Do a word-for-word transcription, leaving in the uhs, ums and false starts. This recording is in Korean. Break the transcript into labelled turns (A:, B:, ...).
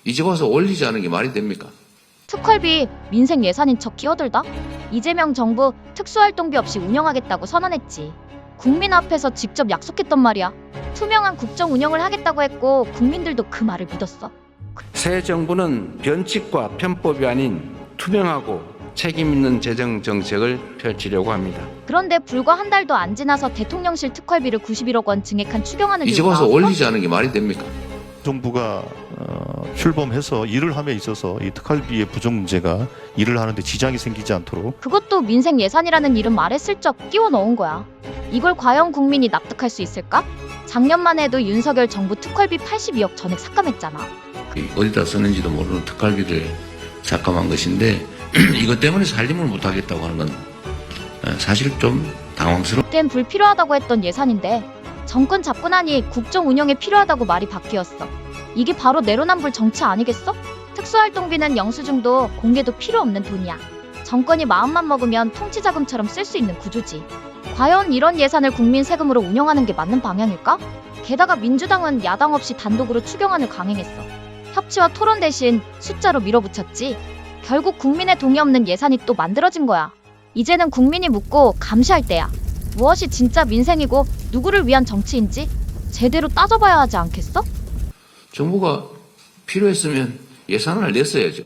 A: 이제 와서 올리지 않은 게 말이 됩니까?
B: 특활비 민생 예산인 척 끼어들다? 이재명 정부 특수활동비 없이 운영하겠다고 선언했지. 국민 앞에서 직접 약속했단 말이야. 투명한 국정 운영을 하겠다고 했고 국민들도 그 말을 믿었어.
C: 새 정부는 변칙과 편법이 아닌 투명하고 책임 있는 재정 정책을 펼치려고 합니다.
B: 그런데 불과 한 달도 안 지나서 대통령실 특활비를 구십일억 원 증액한 추경안을
A: 이제
B: 들고
A: 와서
B: 나왔어?
A: 올리지 않은 게 말이 됩니까?
D: 정부가 어, 출범해서 일을 함에 있어서 이 특활비의 부족 문제가 일을 하는데 지장이 생기지 않도록
B: 그것도 민생 예산이라는 이름 말에 슬쩍 끼워 넣은 거야. 이걸 과연 국민이 납득할 수 있을까? 작년만 해도 윤석열 정부 특활비 팔십이억 전액 삭감했잖아.
A: 어디다 쓰는지도 모르는 특활비를 삭감한 것인데 이것 때문에 살림을 못하겠다고 하는 건 사실 좀 당황스러워.
B: 그땐 불필요하다고 했던 예산인데 정권 잡고 나니 국정 운영에 필요하다고 말이 바뀌었어. 이게 바로 내로남불 정치 아니겠어? 특수활동비는 영수증도 공개도 필요 없는 돈이야. 정권이 마음만 먹으면 통치자금처럼 쓸 수 있는 구조지. 과연 이런 예산을 국민 세금으로 운영하는 게 맞는 방향일까? 게다가 민주당은 야당 없이 단독으로 추경안을 강행했어. 협치와 토론 대신 숫자로 밀어붙였지. 결국 국민의 동의 없는 예산이 또 만들어진 거야. 이제는 국민이 묻고 감시할 때야. 무엇이 진짜 민생이고 누구를 위한 정치인지 제대로 따져봐야 하지 않겠어?
A: 정부가 필요했으면 예산을 냈어야죠.